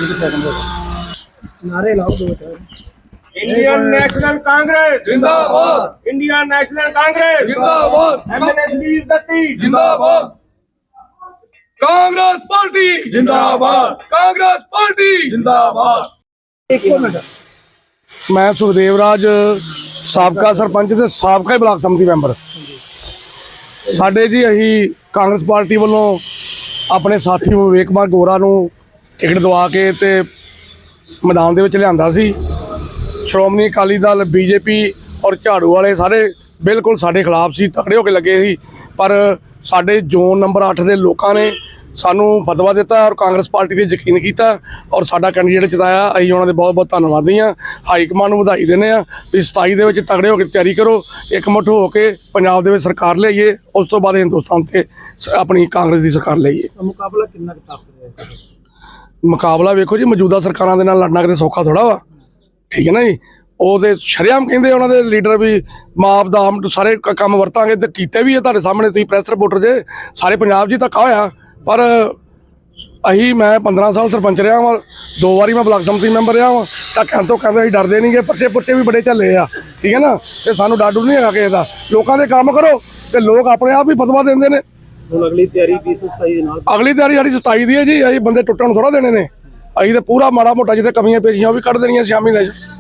नारे लाओ दो चार। इंडियन नेशनल कांग्रेस जिंदाबाद, इंडियन नेशनल कांग्रेस जिंदाबाद, एमएनएस वीर दत्ती जिंदाबाद, कांग्रेस पार्टी जिंदाबाद कांग्रेस पार्टी जिंदाबाद। एक मिनट मैं सुखदेव राज ਸਾਬਕਾ ਸਰਪੰਚ ਤੇ ਸਾਬਕਾ ਹੀ ਬਲਾਕ ਸਮਿਤੀ ਮੈਂਬਰ ਸਾਡੇ ਜੀ ਅਸੀਂ ਕਾਂਗਰਸ ਪਾਰਟੀ ਵੱਲੋਂ ਆਪਣੇ ਸਾਥੀ ਵਿਵੇਕ ਕੁਮਾਰ ਗੋਰਾ ਨੂੰ ਟਿਕਟ ਦਵਾ ਕੇ ਤੇ ਮੈਦਾਨ ਦੇ ਵਿੱਚ ਲਿਆਂਦਾ ਸੀ। ਸ਼੍ਰੋਮਣੀ ਅਕਾਲੀ ਦਲ ਬੀਜੇਪੀ ਔਰ ਝਾੜੂ ਵਾਲੇ ਸਾਰੇ ਬਿਲਕੁਲ ਸਾਡੇ ਖਿਲਾਫ ਸੀ, ਤਕੜੇ ਹੋ ਕੇ ਲੱਗੇ ਸੀ, ਪਰ ਸਾਡੇ ਜ਼ੋਨ ਨੰਬਰ 8 ਦੇ ਲੋਕਾਂ ਨੇ ਸਾਨੂੰ ਫਤਵਾ ਦਿੱਤਾ ਔਰ ਕਾਂਗਰਸ ਪਾਰਟੀ 'ਤੇ ਯਕੀਨ ਕੀਤਾ ਔਰ ਸਾਡਾ ਕੈਂਡੀਡੇਟ ਜਿਤਾਇਆ। ਅਸੀਂ ਉਹਨਾਂ ਦੇ ਬਹੁਤ ਬਹੁਤ ਧੰਨਵਾਦੀ ਹਾਂ। ਹਾਈ ਕਮਾਂਡ ਨੂੰ ਵਧਾਈ ਦਿੰਦੇ ਹਾਂ ਵੀ 27 ਦੇ ਵਿੱਚ ਤਕੜੇ ਹੋ ਕੇ ਤਿਆਰੀ ਕਰੋ, ਇਕਮੁੱਠ ਹੋ ਕੇ ਪੰਜਾਬ ਦੇ ਵਿੱਚ ਸਰਕਾਰ ਲਿਆਈਏ, ਉਸ ਤੋਂ ਬਾਅਦ ਹਿੰਦੁਸਤਾਨ 'ਤੇ ਆਪਣੀ ਕਾਂਗਰਸ ਦੀ ਸਰਕਾਰ ਲਿਆਈਏ। मुकाबला कितना ताकत है? ਮੁਕਾਬਲਾ ਵੇਖੋ ਜੀ, ਮੌਜੂਦਾ ਸਰਕਾਰਾਂ ਦੇ ਨਾਲ ਲੜਨਾ ਕਿਤੇ ਸੌਖਾ ਥੋੜ੍ਹਾ ਵਾ, ਠੀਕ ਹੈ ਨਾ ਜੀ। ਉਹ ਤੇ ਸ਼ਰੇਆਮ ਕਹਿੰਦੇ ਉਹਨਾਂ ਦੇ ਲੀਡਰ ਵੀ ਮਾਪ ਦਾਮ ਸਾਰੇ ਕੰਮ ਵਰਤਾਂਗੇ ਤੇ ਕੀਤੇ ਵੀ ਹੈ ਤੁਹਾਡੇ ਸਾਹਮਣੇ, ਤੁਸੀਂ ਪ੍ਰੈਸ ਰਿਪੋਰਟਰ ਜੇ, ਸਾਰੇ ਪੰਜਾਬ 'ਚ ਹੀ ਧੱਕਾ ਹੋਇਆ। ਪਰ ਮੈਂ 15 ਸਾਲ ਸਰਪੰਚ ਰਿਹਾ ਵਾਂ, 2 ਵਾਰੀ ਮੈਂ ਬਲਾਕ ਸਮਿਤੀ ਮੈਂਬਰ ਰਿਹਾ ਵਾਂ, ਤਾਂ ਕਹਿਣ ਤੋਂ ਕਹਿੰਦੇ ਅਸੀਂ ਡਰਦੇ ਨਹੀਂ ਗੇ, ਪਰਚੇ ਵੀ ਬੜੇ ਝੱਲੇ ਆ, ਠੀਕ ਹੈ ਨਾ। ਤੇ ਸਾਨੂੰ ਡਰ ਡਰ ਨਹੀਂ ਹੈਗਾ ਕਿਸੇ ਦਾ, ਲੋਕਾਂ ਦੇ ਕੰਮ ਕਰੋ ਤੇ ਲੋਕ ਆਪਣੇ ਆਪ ਹੀ ਫਤਵਾ ਦਿੰਦੇ ਨੇ। ਹੁਣ ਅਗਲੀ ਤਿਆਰੀ 2027 ਦੇ ਨਾਲ ਅਗਲੀ ਤਿਆਰੀ ਸਾਡੀ 27 ਦੀ ਹੈ ਜੀ। ਅਸੀਂ ਬੰਦੇ ਟੁੱਟਣ ਥੋੜ੍ਹਾ ਦੇਣੇ ਨੇ, ਅਸੀਂ ਤਾਂ ਪੂਰਾ ਮਾੜਾ ਮੋਟਾ ਜਿੱਥੇ ਕਮੀਆਂ ਪੇਸ਼ੀਆਂ ਉਹ ਵੀ ਕੱਢ ਦੇਣੀਆਂ 6 ਮਹੀਨੇ 'ਚ।